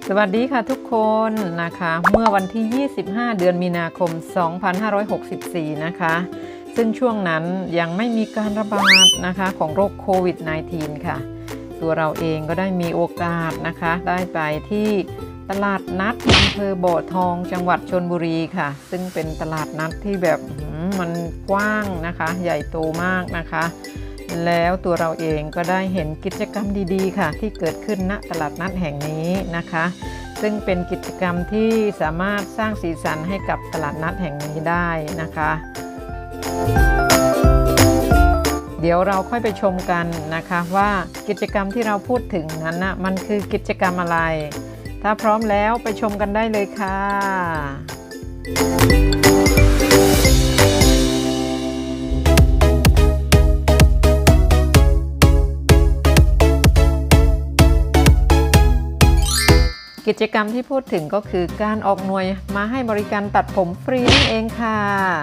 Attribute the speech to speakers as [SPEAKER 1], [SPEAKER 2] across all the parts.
[SPEAKER 1] สวัสดีค่ะทุกคนนะคะเมื่อวันที่ 25 เดือนมีนาคม 2564 นะคะซึ่งช่วงนั้นยังไม่มีการระบาดนะคะของโรคโควิด -19 ค่ะตัวเราเองก็ได้มีโอกาสนะคะได้ไปที่ตลาดนัดอำเภอบ่อทองจังหวัดชลบุรีค่ะซึ่งเป็นตลาดนัดที่แบบมันกว้างนะคะใหญ่โตมากนะคะแล้วตัวเราเองก็ได้เห็นกิจกรรมดีๆค่ะที่เกิดขึ้นณตลาดนัดแห่งนี้นะคะซึ่งเป็นกิจกรรมที่สามารถสร้างสีสันให้กับตลาดนัดแห่งนี้ได้นะคะเดี๋ยวเราค่อยไปชมกันนะคะว่ากิจกรรมที่เราพูดถึงนั้นนะมันคือกิจกรรมอะไรถ้าพร้อมแล้วไปชมกันได้เลยค่ะกิจกรรมที่พูดถึงก็คือการออกหน่วยมาให้บริการตัดผมฟรีนั่นเองค่ะ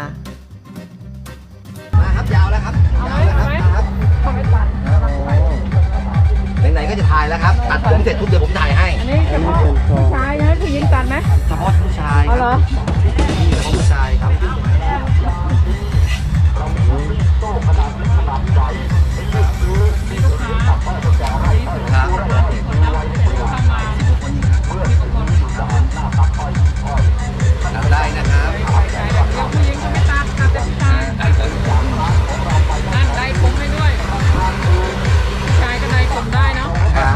[SPEAKER 2] มาครับยาวแล้วครับยาวแล้วครับเขาไม่ตัดไหนๆก็จะถ่ายแล้วครับตัดผมเสร็จทุกเดือนผมถ่ายให้
[SPEAKER 1] อันนี้เฉพาะผู้ชายนะผู้หญิงตัดไหม
[SPEAKER 2] เฉพาะผู้ชาย
[SPEAKER 1] เหรอ
[SPEAKER 2] นี่เฉพาะผู้ชายครับได้นะครับ
[SPEAKER 1] ผู้หญิงก็ไม่ตัดแต่ผู้ชายนั่นได้ผมให้ด้วยผู้ชายก็ได้ผมได้เนาะ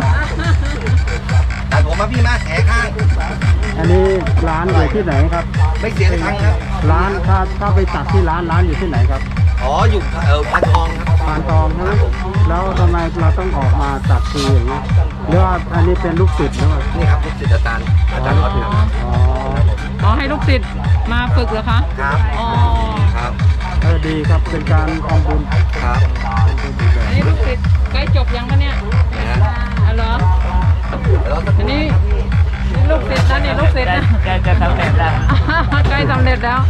[SPEAKER 2] ตัดผมมาพี่มาแขข้าง
[SPEAKER 3] อันนี้ร้านอยู่ที่ไหนครับ
[SPEAKER 2] ไม่เสียตังค์ครับ
[SPEAKER 3] ร้านถ้าไปตัดที่ร้านอยู่ที่ไหนครับ
[SPEAKER 2] อ๋ออยู่พานทองครับ
[SPEAKER 3] พานทองใช่ไหมแล้วทำไมเราต้องออกมาตัดฟรีอย่างนี้หรือว่าอันนี้เป็นลูกศิษย์หรือเปล่า
[SPEAKER 2] นี่ครับลูกศิษย์อาจารย์เขาถึง
[SPEAKER 1] อ๋อให้ลูกศิษย์มาฝึกเหรอคะ
[SPEAKER 2] ครับ
[SPEAKER 1] อ๋อ
[SPEAKER 2] ครับ
[SPEAKER 3] ดีครับเป็นการทำบุญ
[SPEAKER 2] ครับ
[SPEAKER 1] อันนี้ลูกศิษย์ใกล้จบยังคะเนี่ยเหรออันนี้ลูกศิษย์นะเนี่ยลูกศิษย์นะ
[SPEAKER 3] จะสำเร็จแล้ว
[SPEAKER 1] ใกล้สำเร็จแล้ว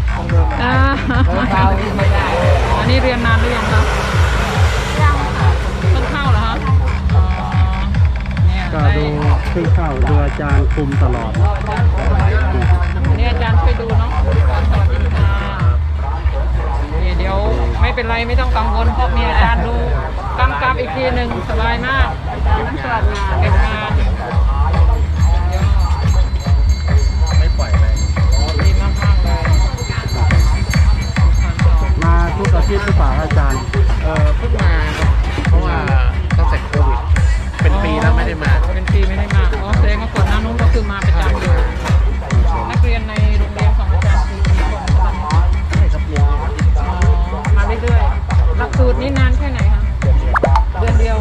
[SPEAKER 1] อันนี้เรียนนานหรือยังครับยังค่ะเพิ่งเข้าเหรอคะ
[SPEAKER 3] ก็ดูเพิ่งเข้าดูอาจารย์คุมตลอด
[SPEAKER 1] อันนี้อาจารย์ช่วยดูเนาะสวัสดีค่ะเดี๋ยวไม่เป็นไรไม่ต้องกังวลเพราะมีอาจารย์ดูกำกับอีกทีหนึ่งสบายมากนั่งสวัสดีเก็บงาน
[SPEAKER 2] ไม่ปล่อยเลย
[SPEAKER 1] ดีมากๆเลย
[SPEAKER 3] มาทุกอาทิตย์หรือเปล่าอาจารย์
[SPEAKER 2] เพิ่งมาครับเพราะว่าตั้งแต่โควิดเป็นปีแล้วไม่ได้มา
[SPEAKER 1] เป็นปีไม่ได้มาอ๋อแสดงว่าก่อนหน้านู้นก็คือมาประจำอยู่นักเรียนในโรงเรียนของอาจารย์กี่คนตอนนี้
[SPEAKER 2] ไม่ครับเรียน
[SPEAKER 1] มาเรื่อยๆหลักสูตรนี้นานแค่ไหนคะเดือนเดียว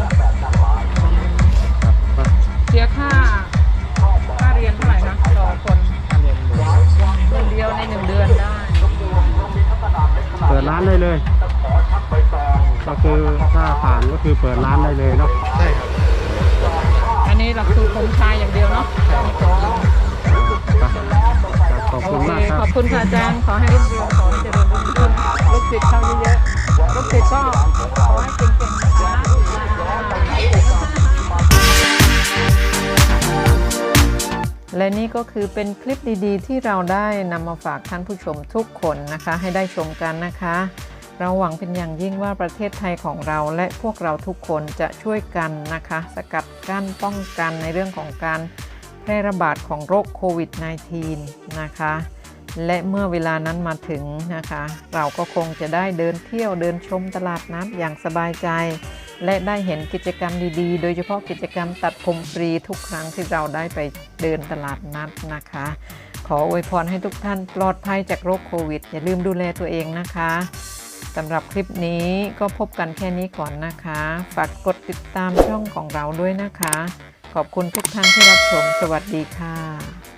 [SPEAKER 1] เสียค่าเรียนเท่าไหร่นะต่อคนเดือนเดียวใน1 เดือนได้
[SPEAKER 3] เปิดร้านได้เลยก็คือถ้าผ่านก็คือเปิดร้านได้เลยเนาะ
[SPEAKER 2] ใช่ครับ
[SPEAKER 1] อันนี้หลักสูตรผมชายอย่างเดียวเนาะ
[SPEAKER 3] ขอบคุณมากครับ
[SPEAKER 1] ขอบคุณค่ะอาจารย์ขอให้รุ่งเรืองขอให้เจริญรุ่งเรืองลูกศิษย์เข้าเยอะๆลูกศิษย์ก็ขอให้เก่งๆนะคะและนี่ก็คือเป็นคลิปดีๆที่เราได้นำมาฝากท่านผู้ชมทุกคนนะคะให้ได้ชมกันนะคะเราหวังเป็นอย่างยิ่งว่าประเทศไทยของเราและพวกเราทุกคนจะช่วยกันนะคะสกัดกั้นป้องกันในเรื่องของการแพร่ระบาดของโรคโควิด -19 นะคะและเมื่อเวลานั้นมาถึงนะคะเราก็คงจะได้เดินเที่ยวเดินชมตลาดนัดอย่างสบายใจและได้เห็นกิจกรรมดีๆโดยเฉพาะกิจกรรมตัดผมฟรีทุกครั้งที่เราได้ไปเดินตลาดนัดนะคะขออวยพรให้ทุกท่านปลอดภัยจากโรคโควิดอย่าลืมดูแลตัวเองนะคะสำหรับคลิปนี้ก็พบกันแค่นี้ก่อนนะคะฝากกดติดตามช่องของเราด้วยนะคะขอบคุณทุกท่านที่รับชมสวัสดีค่ะ